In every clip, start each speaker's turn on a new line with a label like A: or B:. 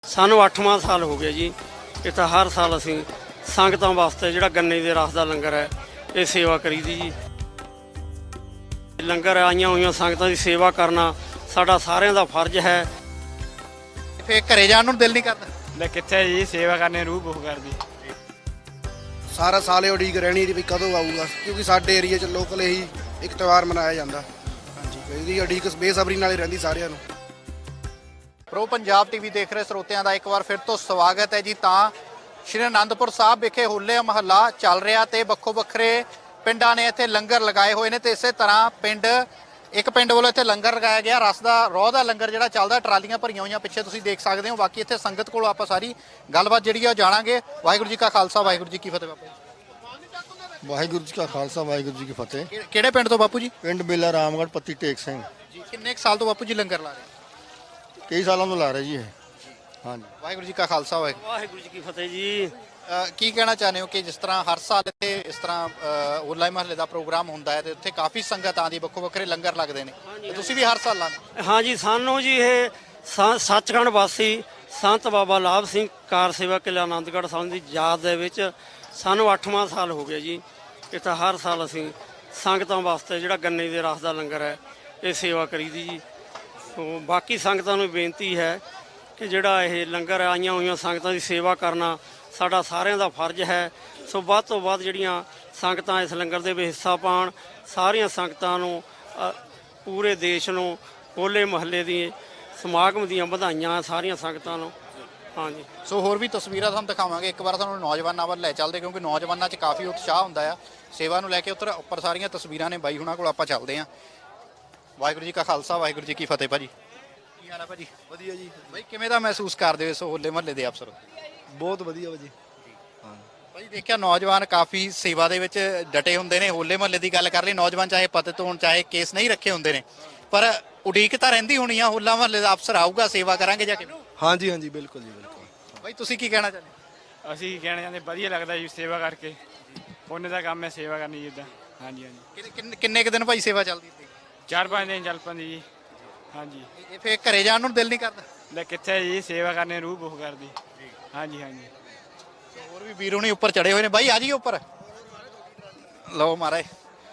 A: ਸਾਨੂੰ 8ਵਾਂ ਸਾਲ ਹੋ ਗਿਆ ਜੀ। ਇਹ ਤਾਂ ਹਰ ਸਾਲ ਅਸੀਂ ਸੰਗਤਾਂ ਵਾਸਤੇ ਜਿਹੜਾ ਗੰਨੇ ਦੇ ਰਸ ਦਾ ਲੰਗਰ ਹੈ ਇਹ ਸੇਵਾ ਕਰੀਦੀ ਜੀ। ਲੰਗਰ ਆਈਆਂ ਹੋਈਆਂ ਸੰਗਤਾਂ ਦੀ ਸੇਵਾ ਕਰਨਾ ਸਾਡਾ ਸਾਰਿਆਂ ਦਾ ਫਰਜ਼ ਹੈ।
B: ਫੇਰ ਘਰੇ ਜਾਣ ਨੂੰ ਦਿਲ ਨਹੀਂ ਕਰਦਾ।
C: ਲੈ ਕਿੱਥੇ ਜੀ, ਸੇਵਾ ਕਰਨੇ ਰੂਹ ਬਹੁਤ ਕਰਦੀ।
D: ਸਾਰਾ ਸਾਲ ਇਹ ਉਡੀਕ ਰਹਿਣੀ ਦੀ ਵੀ ਕਦੋਂ ਆਊਗਾ, ਕਿਉਂਕਿ ਸਾਡੇ ਏਰੀਆ 'ਚ ਲੋਕਲ ਇਹੀ ਇੱਕ ਤਿਉਹਾਰ ਮਨਾਇਆ ਜਾਂਦਾ। ਹਾਂਜੀ, ਇਹਦੀ ਉਡੀਕ ਬੇਸਬਰੀ ਨਾਲ ਹੀ ਰਹਿੰਦੀ ਸਾਰਿਆਂ ਨੂੰ।
B: ਪ੍ਰੋ ਪੰਜਾਬ ਟੀਵੀ ਦੇਖ ਰਹੇ ਸਰੋਤਿਆਂ ਦਾ ਇੱਕ ਵਾਰ ਫਿਰ ਤੋਂ ਸਵਾਗਤ ਹੈ ਜੀ। ਤਾਂ ਸ਼੍ਰੀ ਅਨੰਦਪੁਰ ਸਾਹਿਬ ਵਿਖੇ ਹੋਲੇ ਮਹੱਲਾ ਚੱਲ ਰਿਹਾ ਤੇ ਵੱਖੋ ਵੱਖਰੇ ਪਿੰਡਾਂ ਨੇ ਇੱਥੇ ਲੰਗਰ ਲਗਾਏ ਹੋਏ ਨੇ ਤੇ ਇਸੇ ਤਰ੍ਹਾਂ ਇੱਕ ਪਿੰਡ ਵੱਲੋਂ ਇੱਥੇ ਲੰਗਰ ਲਗਾਇਆ ਗਿਆ। ਰਸ ਦਾ ਰੋਹ ਦਾ ਲੰਗਰ ਜਿਹੜਾ ਚੱਲਦਾ, ਟਰਾਲੀਆਂ ਭਰੀਆਂ ਹੋਈਆਂ ਪਿੱਛੇ ਤੁਸੀਂ ਦੇਖ ਸਕਦੇ ਹੋ। ਬਾਕੀ ਇੱਥੇ ਸੰਗਤ ਕੋਲੋਂ ਆਪਾਂ ਸਾਰੀ ਗੱਲਬਾਤ ਜਿਹੜੀ ਆ ਜਾਣਾਂਗੇ। ਵਾਹਿਗੁਰੂ ਜੀ ਕਾ ਖਾਲਸਾ, ਵਾਹਿਗੁਰੂ ਜੀ ਕੀ ਫਤਿਹ। ਬਾਪੂ ਜੀ,
E: ਵਾਹਿਗੁਰੂ ਜੀ ਕਾ ਖਾਲਸਾ, ਵਾਹਿਗੁਰੂ ਜੀ ਕੀ ਫਤਿਹ।
B: ਕਿਹੜੇ ਪਿੰਡ ਤੋਂ ਬਾਪੂ ਜੀ?
E: ਪਿੰਡ ਬੇਲਾ ਰਾਮਗੜ੍ਹ, ਪੱਤੀ ਟੇਕ ਸਿੰਘ
B: ਜੀ। ਕਿੰਨੇ ਕੁ ਸਾਲ ਤੋਂ ਬਾਪੂ ਜੀ ਲੰਗਰ ਲਾ ਰਹੇ?
E: ਕਈ ਸਾਲਾਂ ਤੋਂ ਲਾ ਰਹੇ ਜੀ ਇਹ। ਹਾਂਜੀ,
B: ਵਾਹਿਗੁਰੂ ਜੀ ਕਾ ਖਾਲਸਾ,
A: ਵਾਹਿਗੁਰੂ ਜੀ ਕੀ ਫਤਿਹ ਜੀ।
B: ਕੀ ਕਹਿਣਾ ਚਾਹੁੰਦੇ ਹੋ ਕਿ ਜਿਸ ਤਰ੍ਹਾਂ ਹਰ ਸਾਲ ਇੱਥੇ ਇਸ ਤਰ੍ਹਾਂ ਹੋਲਾ ਮਹੱਲੇ ਦਾ ਪ੍ਰੋਗਰਾਮ ਹੁੰਦਾ ਹੈ ਤੇ ਉੱਥੇ ਕਾਫੀ ਸੰਗਤ ਆਉਂਦੀ, ਵੱਖੋ ਵੱਖਰੇ ਲੰਗਰ ਲੱਗਦੇ ਨੇ, ਤੇ ਤੁਸੀਂ ਵੀ ਹਰ ਸਾਲ ਲਾਉਂਦੇ?
A: ਹਾਂਜੀ, ਸਾਨੂੰ ਜੀ ਇਹ ਸੱਚਖੰਡ ਵਾਸੀ ਸੰਤ ਬਾਬਾ ਲਾਭ ਸਿੰਘ ਕਾਰ ਸੇਵਾ ਕਿਲ੍ਹਾ ਆਨੰਦਗੜ੍ਹ ਸਾਹਿਬ ਦੀ ਯਾਦ ਦੇ ਵਿੱਚ ਸਾਨੂੰ 8ਵਾਂ ਸਾਲ ਹੋ ਗਿਆ ਜੀ। ਇਹ ਤਾਂ ਹਰ ਸਾਲ ਅਸੀਂ ਸੰਗਤਾਂ ਵਾਸਤੇ ਜਿਹੜਾ ਗੰਨੇ ਦੇ ਰਸ ਦਾ ਲੰਗਰ ਹੈ ਇਹ ਸੇਵਾ ਕਰੀਦੀ ਜੀ। ਸੋ ਬਾਕੀ ਸੰਗਤਾਂ ਨੂੰ ਬੇਨਤੀ ਹੈ ਕਿ ਜਿਹੜਾ ਇਹ ਲੰਗਰ ਆਈਆਂ ਹੋਈਆਂ ਸੰਗਤਾਂ ਦੀ ਸੇਵਾ ਕਰਨਾ ਸਾਡਾ ਸਾਰਿਆਂ ਦਾ ਫਰਜ਼ ਹੈ। ਸੋ ਵੱਧ ਤੋਂ ਵੱਧ ਜਿਹੜੀਆਂ ਸੰਗਤਾਂ ਇਸ ਲੰਗਰ ਦੇ ਵਿੱਚ ਹਿੱਸਾ ਪਾਉਣ। ਸਾਰੀਆਂ ਸੰਗਤਾਂ ਨੂੰ ਪੂਰੇ ਦੇਸ਼ ਨੂੰ ਹੋਲੇ ਮਹੱਲੇ ਦੀ ਸਮਾਗਮ ਦੀਆਂ ਵਧਾਈਆਂ ਸਾਰੀਆਂ ਸੰਗਤਾਂ ਨੂੰ। ਹਾਂਜੀ,
B: ਸੋ ਹੋਰ ਵੀ ਤਸਵੀਰਾਂ ਤੁਹਾਨੂੰ ਦਿਖਾਵਾਂਗੇ। ਇੱਕ ਵਾਰ ਤੁਹਾਨੂੰ ਨੌਜਵਾਨਾਂ ਵੱਲ ਲੈ ਚੱਲਦੇ, ਕਿਉਂਕਿ ਨੌਜਵਾਨਾਂ 'ਚ ਕਾਫੀ ਉਤਸ਼ਾਹ ਹੁੰਦਾ ਆ ਸੇਵਾ ਨੂੰ ਲੈ ਕੇ। ਉੱਪਰ ਸਾਰੀਆਂ ਤਸਵੀਰਾਂ ਨੇ ਬਾਈ ਹੁਣਾਂ ਕੋਲ, ਆਪਾਂ ਚੱਲਦੇ ਹਾਂ। ਵਾਹਿਗੁਰੂ ਜੀ ਕਾ ਖਾਲਸਾ, ਵਾਹਿਗੁਰੂ ਜੀ ਕੀ ਫਤਿਹ। ਭਾਜੀ ਕੀ ਹਾਲ ਹੈ? ਭਾਜੀ
D: ਵਧੀਆ ਜੀ,
B: ਬਾਈ ਕਿਵੇਂ ਦਾ ਮਹਿਸੂਸ ਕਰਦੇ ਹੋ ਇਸ ਹੋਲੇ ਮਹੱਲੇ ਦੇ ਅਵਸਰ?
D: ਬਹੁਤ ਵਧੀਆ ਭਾਜੀ।
B: ਭਾਜੀ ਦੇਖਿਆ ਨੌਜਵਾਨ ਕਾਫੀ ਸੇਵਾ ਦੇ ਵਿੱਚ ਡਟੇ ਹੁੰਦੇ ਨੇ। ਹੋਲੇ ਮਹੱਲੇ ਦੀ ਗੱਲ ਕਰ ਲਈ, ਨੌਜਵਾਨ ਚਾਹੇ ਪਤਿਤ ਹੋਣ ਚਾਹੇ ਕੇਸ ਨਹੀਂ ਰੱਖੇ ਹੁੰਦੇ ਨੇ, ਪਰ ਉਡੀਕ ਤਾਂ ਰਹਿੰਦੀ ਹੋਣੀ ਆ ਹੋਲਾ ਮਹੱਲੇ ਦਾ ਅਵਸਰ ਆਊਗਾ, ਸੇਵਾ ਕਰਾਂਗੇ ਜਾ ਕੇ।
D: ਹਾਂਜੀ ਹਾਂਜੀ, ਬਿਲਕੁਲ ਜੀ, ਬਿਲਕੁਲ।
B: ਬਾਈ ਤੁਸੀਂ ਕੀ ਕਹਿਣਾ ਚਾਹੁੰਦੇ?
C: ਅਸੀਂ ਕਹਿਣਾ ਚਾਹੁੰਦੇ ਵਧੀਆ ਲੱਗਦਾ ਜੀ ਸੇਵਾ ਕਰਕੇ। ਉਹਨੇ ਦਾ ਕੰਮ ਹੈ ਸੇਵਾ ਕਰਨੀ ਜਿੱਦਾਂ। ਹਾਂਜੀ ਹਾਂਜੀ,
B: ਕਿੰਨੇ ਕੁ ਦਿਨ ਭਾਈ ਸੇਵਾ ਚੱਲਦੀ ਸੀ?
C: 4-5 ਦਿਨ ਚੱਲ ਪੈਂਦੀ ਜੀ। ਹਾਂਜੀ,
B: ਇਹ ਫੇਰ ਘਰੇ ਜਾਣ ਨੂੰ ਦਿਲ ਨਹੀਂ ਕਰਦਾ।
C: ਲੈ ਕਿੱਥੇ ਜੀ, ਸੇਵਾ ਕਰਨੇ ਰੂਹ ਬਹੁਤ ਕਰਦੀ। ਹਾਂਜੀ ਹਾਂਜੀ,
B: ਹੋਰ ਵੀ ਵੀਰ ਹੁਣੀ ਉੱਪਰ ਚੜੇ ਹੋਏ ਨੇ। ਬਾਈ ਆ ਜਾਈਏ ਉੱਪਰ। ਲਓ ਮਹਾਰਾਜ।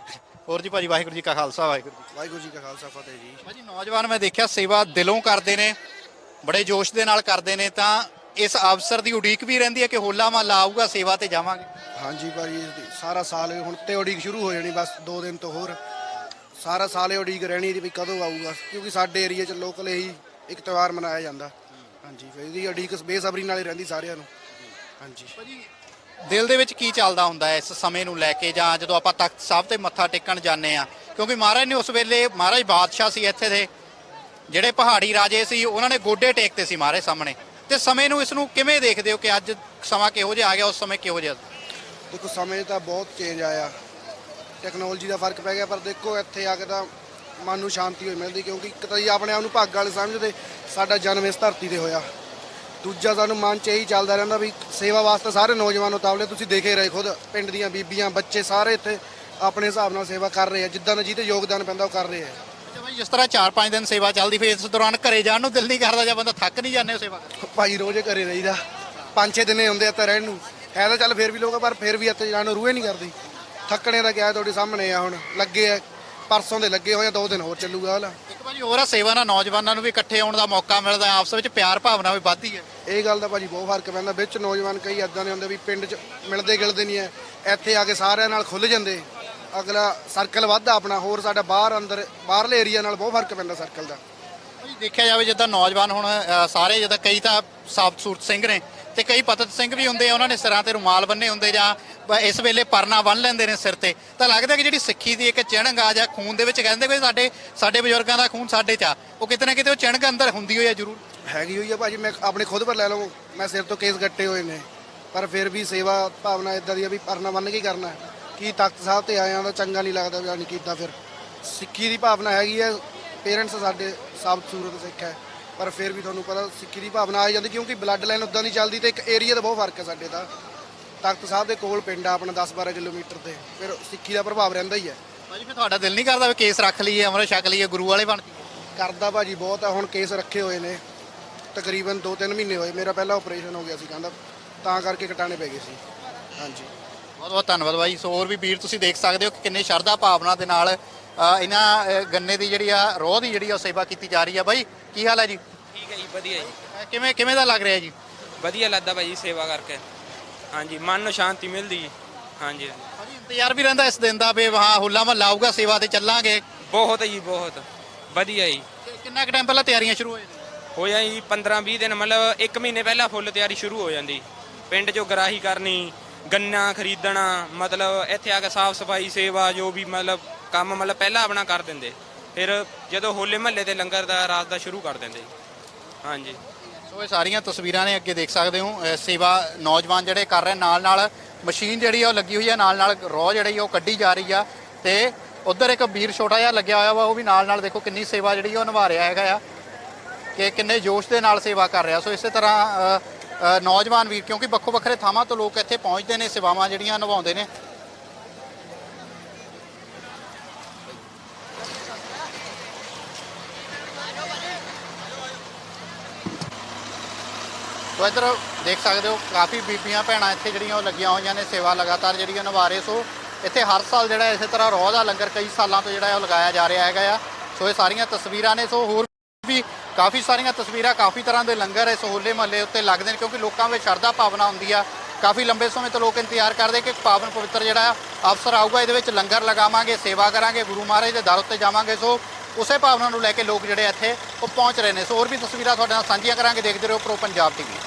B: ਹੋਰ ਜੀ ਭਾਜੀ, ਵਾਹਿਗੁਰੂ ਜੀ ਕਾ ਖਾਲਸਾ,
D: ਵਾਹਿਗੁਰੂ ਜੀ ਕਾ ਖਾਲਸਾ, ਫਤਿਹ ਜੀ।
B: ਭਾਜੀ ਨੌਜਵਾਨ ਮੈਂ ਦੇਖਿਆ ਸੇਵਾ ਦਿਲੋਂ ਕਰਦੇ ਨੇ, ਬੜੇ ਜੋਸ਼ ਦੇ ਨਾਲ ਕਰਦੇ ਨੇ। ਤਾਂ ਇਸ ਅਵਸਰ ਦੀ ਉਡੀਕ ਵੀ ਰਹਿੰਦੀ ਹੈ ਕਿ ਹੋਲਾ ਮਹੱਲਾ ਆਊਗਾ, ਸੇਵਾ ਤੇ ਜਾਵਾਂਗੇ।
D: ਹਾਂਜੀ ਭਾਜੀ, ਸਾਰਾ ਸਾਲ ਹੁਣ ਤੇ ਉਡੀਕ ਸ਼ੁਰੂ ਹੋ ਜਾਣੀ, ਬਸ 2 ਦਿਨ ਤੋਂ ਹੋਰ ਸਾਰਾ ਸਾਲ ਇਹ ਉਡੀਕ ਰਹਿਣੀ ਦੀ ਵੀ ਕਦੋਂ ਆਊਗਾ, ਕਿਉਂਕਿ ਸਾਡੇ ਏਰੀਆ 'ਚ ਲੋਕਲ ਇਹੀ ਇੱਕ ਤਿਉਹਾਰ ਮਨਾਇਆ ਜਾਂਦਾ। ਹਾਂਜੀ, ਇਹਦੀ ਉਡੀਕ ਬੇਸਬਰੀ ਨਾਲ ਹੀ ਰਹਿੰਦੀ ਸਾਰਿਆਂ ਨੂੰ। ਹਾਂਜੀ
B: ਭਾਜੀ ਦਿਲ ਦੇ ਵਿੱਚ ਕੀ ਚੱਲਦਾ ਹੁੰਦਾ ਹੈ ਇਸ ਸਮੇਂ ਨੂੰ ਲੈ ਕੇ, ਜਾਂ ਜਦੋਂ ਆਪਾਂ ਤਖਤ ਸਾਹਿਬ ਤੇ ਮੱਥਾ ਟੇਕਣ ਜਾਂਦੇ ਆ? ਕਿਉਂਕਿ ਮਹਾਰਾਜ ਨੇ ਉਸ ਵੇਲੇ, ਮਹਾਰਾਜ ਬਾਦਸ਼ਾਹ ਸੀ ਇੱਥੇ ਦੇ, ਜਿਹੜੇ ਪਹਾੜੀ ਰਾਜੇ ਸੀ, ਉਹਨਾਂ ਨੇ ਗੋਡੇ ਟੇਕਤੇ ਸੀ ਮਹਾਰਾਜ ਸਾਹਮਣੇ। ਤੇ ਸਮੇਂ ਨੂੰ, ਇਸ ਨੂੰ ਕਿਵੇਂ ਦੇਖਦੇ ਹੋ ਕਿ ਅੱਜ ਸਮਾਂ ਕਿਹੋ ਜਿਹਾ ਆ ਗਿਆ, ਉਸ ਸਮੇਂ ਕਿਹੋ ਜਿਹਾ?
D: ਦੇਖੋ, ਸਮੇਂ ਤਾਂ ਬਹੁਤ ਚੇਂਜ ਆਇਆ, ਟੈਕਨੋਲੋਜੀ ਦਾ ਫਰਕ ਪੈ ਗਿਆ, ਪਰ ਦੇਖੋ ਇੱਥੇ ਆ ਕੇ ਤਾਂ ਮਨ ਨੂੰ ਸ਼ਾਂਤੀ ਹੋਈ ਮਿਲਦੀ, ਕਿਉਂਕਿ ਇੱਕ ਤਾਂ ਜੀ ਆਪਣੇ ਆਪ ਨੂੰ ਭਾਗ ਵਾਲੇ ਸਮਝਦੇ, ਸਾਡਾ ਜਨਮ ਇਸ ਧਰਤੀ ਤੇ ਹੋਇਆ। ਦੂਜਾ, ਸਾਨੂੰ ਮਨ 'ਚ ਇਹੀ ਚੱਲਦਾ ਰਹਿੰਦਾ ਵੀ ਸੇਵਾ ਵਾਸਤੇ ਸਾਰੇ ਨੌਜਵਾਨ ਉਤਾਵਲੇ। ਤੁਸੀਂ ਦੇਖੇ ਰਹੇ ਖੁਦ, ਪਿੰਡ ਦੀਆਂ ਬੀਬੀਆਂ, ਬੱਚੇ ਸਾਰੇ ਇੱਥੇ ਆਪਣੇ ਹਿਸਾਬ ਨਾਲ ਸੇਵਾ ਕਰ ਰਹੇ ਆ, ਜਿੱਦਾਂ ਦਾ ਜਿਹਤੇ ਯੋਗਦਾਨ ਪੈਂਦਾ ਉਹ ਕਰ ਰਹੇ ਆ।
B: ਅੱਛਾ ਭਾਈ, ਜਿਸ ਤਰ੍ਹਾਂ 4-5 ਦਿਨ ਸੇਵਾ ਚੱਲਦੀ, ਫਿਰ ਇਸ ਦੌਰਾਨ ਘਰੇ ਜਾਣ ਨੂੰ ਦਿਲ ਨਹੀਂ ਕਰਦਾ ਜਾਂ ਬੰਦਾ ਥੱਕ ਨਹੀਂ ਜਾਂਦੇ ਹੋ ਸੇਵਾ ਕਰਕੇ?
D: ਭਾਈ ਰੋਜ਼ ਘਰੇ ਰਹੀਦਾ, 5-6 ਦਿਨੇ ਹੁੰਦੇ ਇੱਥੇ ਰਹਿਣ ਨੂੰ। ਹੈ ਤਾਂ ਚੱਲ ਫਿਰ ਵੀ ਲੋਕ, ਪਰ ਫਿਰ ਵੀ ਇੱਥੇ ਜਾਣ ਨੂੰ ਰੂਹੇ ਨਹੀਂ ਕਰਦੀ। ਥੱਕਣੇ ਦਾ ਕਿਹਾ ਤੁਹਾਡੇ ਸਾਹਮਣੇ ਆ। ਹੁਣ ਲੱਗੇ ਆ, ਪਰਸੋਂ ਦੇ ਲੱਗੇ ਹੋਏ ਆ, 2 ਦਿਨ ਹੋਰ ਚੱਲੂਗਾ ਹਾਲਾ।
B: ਇੱਕ ਭਾਜੀ ਹੋਰ ਆ, ਸੇਵਾ ਨਾਲ ਨੌਜਵਾਨਾਂ ਨੂੰ ਵੀ ਇਕੱਠੇ ਆਉਣ ਦਾ ਮੌਕਾ ਮਿਲਦਾ, ਆਪਸ ਵਿੱਚ ਪਿਆਰ ਭਾਵਨਾ ਵੀ ਵੱਧਦੀ ਹੈ।
D: ਇਹ ਗੱਲ ਦਾ ਭਾਜੀ ਬਹੁਤ ਫਰਕ ਪੈਂਦਾ। ਵਿੱਚ ਨੌਜਵਾਨ ਕਈ ਇੱਦਾਂ ਦੇ ਹੁੰਦੇ ਵੀ ਪਿੰਡ 'ਚ ਮਿਲਦੇ ਗਿਲਦੇ ਨਹੀਂ ਐ, ਇੱਥੇ ਆ ਕੇ ਸਾਰਿਆਂ ਨਾਲ ਖੁੱਲ੍ਹ ਜਾਂਦੇ, ਅਗਲਾ ਸਰਕਲ ਵੱਧਦਾ ਆਪਣਾ। ਹੋਰ ਸਾਡਾ ਬਾਹਰ ਅੰਦਰ ਬਾਹਰਲੇ ਏਰੀਆ ਨਾਲ ਬਹੁਤ ਫਰਕ ਪੈਂਦਾ ਸਰਕਲ ਦਾ।
B: ਭਾਜੀ ਦੇਖਿਆ ਜਾਵੇ ਜਿੱਦਾਂ ਨੌਜਵਾਨ ਹੁਣ ਸਾਰੇ, ਜਿੱਦਾਂ ਕਈ ਤਾਂ ਸਾਬਤ ਸੂਰਤ ਸਿੰਘ ਨੇ ਤੇ ਕਈ ਪਤਤ ਸਿੰਘ ਵੀ ਹੁੰਦੇ ਆ, ਉਹਨਾਂ ਨੇ ਸਿਰਾਂ ਤੇ ਰੁਮਾਲ ਬੰਨੇ ਹੁੰਦੇ, ਜਾਂ ਇਸ ਵੇਲੇ ਪਰਨਾ ਬੰਨ ਲੈਂਦੇ ਨੇ ਸਿਰ ਤੇ। ਤਾਂ ਲੱਗਦਾ ਕਿ ਜਿਹੜੀ ਸਿੱਖੀ ਦੀ ਇੱਕ ਚਿਣਗ ਆ, ਜਾਂ ਖੂਨ ਦੇ ਵਿੱਚ ਕਹਿੰਦੇ ਕੋਈ ਸਾਡੇ ਬਜ਼ੁਰਗਾਂ ਦਾ ਖੂਨ ਸਾਡੇ 'ਚ ਆ, ਉਹ ਕਿਤੇ ਨਾ ਕਿਤੇ ਉਹ ਚਿਣਗ ਅੰਦਰ ਹੁੰਦੀ ਹੋਈ ਆ ਜ਼ਰੂਰ।
D: ਹੈਗੀ ਹੋਈ ਆ ਭਾਜੀ। ਮੈਂ ਆਪਣੇ ਖੁਦ ਪਰ ਲੈ ਲਵਾਂ, ਮੈਂ ਸਿਰ ਤੋਂ ਕੇਸ ਗੱਟੇ ਹੋਏ ਨੇ, ਪਰ ਫਿਰ ਵੀ ਸੇਵਾ ਭਾਵਨਾ ਇਦਾਂ ਦੀ ਆ ਵੀ ਪਰਨਾ ਬੰਨ ਕੇ ਹੀ ਕਰਨਾ। ਕੀ ਤਖਤ ਸਾਹਿਬ ਤੇ ਆਇਆ ਤਾਂ ਚੰਗਾ ਨਹੀਂ ਲੱਗਦਾ ਵੀ ਨਹੀਂ ਕੀਤਾ। ਫਿਰ ਸਿੱਖੀ ਦੀ ਭਾਵਨਾ ਹੈਗੀ ਹੈ, ਪੇਰੈਂਟਸ ਸਾਡੇ ਸਾਬਤ ਸੂਰਤ ਸਿੱਖ ਹੈ, ਪਰ ਫਿਰ ਵੀ ਤੁਹਾਨੂੰ ਪਤਾ ਸਿੱਖੀ ਦੀ ਭਾਵਨਾ ਆ ਜਾਂਦੀ, ਕਿਉਂਕਿ ਬਲੱਡ ਲਾਈਨ ਉੱਦਾਂ ਦੀ ਚੱਲਦੀ। ਤੇ ਇੱਕ ਏਰੀਆ ਦਾ ਬਹੁਤ ਫਰਕ ਹੈ ਸਾਡੇ ਦਾ। ਤਖਤ ਸਾਹਿਬ ਦੇ ਕੋਲ ਪਿੰਡ ਆ ਆਪਣਾ 10-12 ਕਿਲੋਮੀਟਰ ਤੇ, ਫਿਰ ਸਿੱਖੀ ਦਾ ਪ੍ਰਭਾਵ ਰਹਿੰਦਾ ਹੀ ਹੈ।
B: ਭਾਜੀ ਫਿਰ ਤੁਹਾਡਾ ਦਿਲ ਨਹੀਂ ਕਰਦਾ ਵੀ ਕੇਸ ਰੱਖ ਲਈਏ, ਅੰਮ੍ਰਿਤ ਛਕ ਲਈਏ, ਗੁਰੂ ਵਾਲੇ ਬਣ ਜਾਈਏ?
D: ਕਰਦਾ ਭਾਜੀ ਬਹੁਤ ਆ। ਹੁਣ ਕੇਸ ਰੱਖੇ ਹੋਏ ਨੇ, ਤਕਰੀਬਨ 2-3 ਮਹੀਨੇ ਹੋਏ। ਮੇਰਾ ਪਹਿਲਾ ਆਪਰੇਸ਼ਨ ਹੋ ਗਿਆ ਸੀ ਕਹਿੰਦਾ, ਤਾਂ ਕਰਕੇ ਕਟਾਣੇ ਪੈ ਗਏ ਸੀ। ਹਾਂਜੀ,
B: ਬਹੁਤ ਬਹੁਤ ਧੰਨਵਾਦ ਬਾਈ। ਸੋ ਹੋਰ ਵੀ ਵੀਰ ਤੁਸੀਂ ਦੇਖ ਸਕਦੇ ਹੋ ਕਿ ਕਿੰਨੇ ਸ਼ਰਧਾ ਭਾਵਨਾ ਦੇ ਨਾਲ ਇਹਨਾਂ ਗੰਨੇ ਦੀ ਜਿਹੜੀ ਆ ਰੋਹ ਦੀ ਜਿਹੜੀ ਆ ਸੇਵਾ ਕੀਤੀ ਜਾ ਰਹੀ ਆ। ਬਾਈ ਕੀ ਹਾਲ ਹੈ ਜੀ?
F: ਠੀਕ ਹੈ ਜੀ, ਵਧੀਆ ਜੀ,
B: ਕਿਵੇਂ ਕਿਵੇਂ ਦਾ ਲੱਗ ਰਿਹਾ ਜੀ?
F: ਵਧੀਆ ਲੱਗਦਾ ਭਾਈ ਸੇਵਾ ਕਰਕੇ। ਹਾਂਜੀ, ਮਨ ਨੂੰ ਸ਼ਾਂਤੀ ਮਿਲਦੀ ਜੀ। ਹਾਂਜੀ
B: ਭਾਜੀ ਇੰਤਜ਼ਾਰ ਵੀ ਰਹਿੰਦਾ ਇਸ ਦਿਨ ਦਾ ਵੀ ਹਾਂ ਹੁੱਲਾ ਮਹੱਲਾ ਆਊਗਾ, ਸੇਵਾ ਤੇ ਚੱਲਾਂਗੇ।
F: ਬਹੁਤ ਜੀ, ਬਹੁਤ ਵਧੀਆ ਜੀ।
B: ਕਿੰਨਾ ਕੁ ਟਾਈਮ ਪਹਿਲਾਂ ਤਿਆਰੀਆਂ ਸ਼ੁਰੂ
F: ਹੋ ਜਾਈ ਜੀ 15-20 ਦਿਨ, ਮਤਲਬ 1 ਮਹੀਨੇ ਪਹਿਲਾਂ ਫੁੱਲ ਤਿਆਰੀ ਸ਼ੁਰੂ ਹੋ ਜਾਂਦੀ। ਪਿੰਡ 'ਚੋਂ ਗਰਾਹੀ ਕਰਨੀ, ਗੰਨਾ ਖਰੀਦਣਾ, ਮਤਲਬ ਇੱਥੇ ਆ ਕੇ ਸਾਫ਼ ਸਫਾਈ ਸੇਵਾ ਜੋ ਵੀ ਮਤਲਬ ਕੰਮ ਮਤਲਬ ਪਹਿਲਾਂ ਆਪਣਾ ਕਰ ਦਿੰਦੇ, ਫਿਰ ਜਦੋਂ ਹੋਲੇ ਮਹੱਲੇ ਤੇ ਲੰਗਰ ਦਾ ਰਾਤ ਦਾ ਸ਼ੁਰੂ ਕਰ ਦਿੰਦੇ। ਹਾਂਜੀ,
B: ਸੋ ਇਹ ਸਾਰੀਆਂ ਤਸਵੀਰਾਂ ਨੇ, ਅੱਗੇ ਦੇਖ ਸਕਦੇ ਹੋ ਸੇਵਾ ਨੌਜਵਾਨ ਜਿਹੜੇ ਕਰ ਰਹੇ, ਨਾਲ ਨਾਲ ਮਸ਼ੀਨ ਜਿਹੜੀ ਆ ਉਹ ਲੱਗੀ ਹੋਈ ਆ, ਨਾਲ ਨਾਲ ਰੋਹ ਜਿਹੜੀ ਉਹ ਕੱਢੀ ਜਾ ਰਹੀ ਆ। ਤੇ ਉਧਰ ਇੱਕ ਵੀਰ ਛੋਟਾ ਜਿਹਾ ਲੱਗਿਆ ਹੋਇਆ ਵਾ, ਉਹ ਵੀ ਨਾਲ ਨਾਲ ਦੇਖੋ ਕਿੰਨੀ ਸੇਵਾ ਜਿਹੜੀ ਉਹ ਨਿਭਾ ਰਿਹਾ ਹੈਗਾ ਆ, ਕਿ ਕਿੰਨੇ ਜੋਸ਼ ਦੇ ਨਾਲ ਸੇਵਾ ਕਰ ਰਿਹਾ। ਸੋ ਇਸੇ ਤਰ੍ਹਾਂ ਨੌਜਵਾਨ ਵੀਰ, ਕਿਉਂਕਿ ਵੱਖੋ ਵੱਖਰੇ ਥਾਵਾਂ ਤੋਂ ਲੋਕ ਇੱਥੇ ਪਹੁੰਚਦੇ ਨੇ, ਸੇਵਾਵਾਂ ਜਿਹੜੀਆਂ ਨਿਭਾਉਂਦੇ ਨੇ। ਸੋ ਇੱਧਰ ਦੇਖ ਸਕਦੇ ਹੋ ਕਾਫੀ ਬੀਬੀਆਂ ਭੈਣਾਂ ਇੱਥੇ ਜਿਹੜੀਆਂ ਉਹ ਲੱਗੀਆਂ ਹੋਈਆਂ ਨੇ, ਸੇਵਾ ਲਗਾਤਾਰ ਜਿਹੜੀਆਂ ਨਿਭਾ ਰਹੇ। ਸੋ ਇੱਥੇ ਹਰ ਸਾਲ ਜਿਹੜਾ ਇਸੇ ਤਰ੍ਹਾਂ ਰੋਹ ਦਾ ਲੰਗਰ ਕਈ ਸਾਲਾਂ ਤੋਂ ਜਿਹੜਾ ਉਹ ਲਗਾਇਆ ਜਾ ਰਿਹਾ ਹੈਗਾ ਆ। ਸੋ ਇਹ ਸਾਰੀਆਂ ਤਸਵੀਰਾਂ ਨੇ। ਸੋ ਹੋਰ ਵੀ ਕਾਫੀ ਸਾਰੀਆਂ ਤਸਵੀਰਾਂ, ਕਾਫੀ ਤਰ੍ਹਾਂ ਦੇ ਲੰਗਰ ਇਸ ਹੋਲੇ ਮਹੱਲੇ ਉੱਤੇ ਲੱਗਦੇ ਨੇ, ਕਿਉਂਕਿ ਲੋਕਾਂ ਵਿੱਚ ਸ਼ਰਧਾ ਭਾਵਨਾ ਹੁੰਦੀ ਆ। ਕਾਫੀ ਲੰਬੇ ਸਮੇਂ ਤੋਂ ਲੋਕ ਇੰਤਜ਼ਾਰ ਕਰਦੇ ਕਿ ਪਾਵਨ ਪਵਿੱਤਰ ਜਿਹੜਾ ਅਵਸਰ ਆਊਗਾ, ਇਹਦੇ ਵਿੱਚ ਲੰਗਰ ਲਗਾਵਾਂਗੇ, ਸੇਵਾ ਕਰਾਂਗੇ, ਗੁਰੂ ਮਹਾਰਾਜ ਦੇ ਦਰ ਉੱਤੇ ਜਾਵਾਂਗੇ। ਸੋ ਉਸੇ ਭਾਵਨਾ ਨੂੰ ਲੈ ਕੇ ਲੋਕ ਜਿਹੜੇ ਇੱਥੇ ਉਹ ਪਹੁੰਚ ਰਹੇ ਨੇ। ਸੋ ਹੋਰ ਵੀ ਤਸਵੀਰਾਂ ਤੁਹਾਡੇ ਨਾਲ ਸਾਂਝੀਆਂ ਕਰਾਂਗੇ। ਦੇਖਦੇ ਰਹੋ ਪ੍ਰੋ ਪੰਜਾਬ ਟੀਵੀ।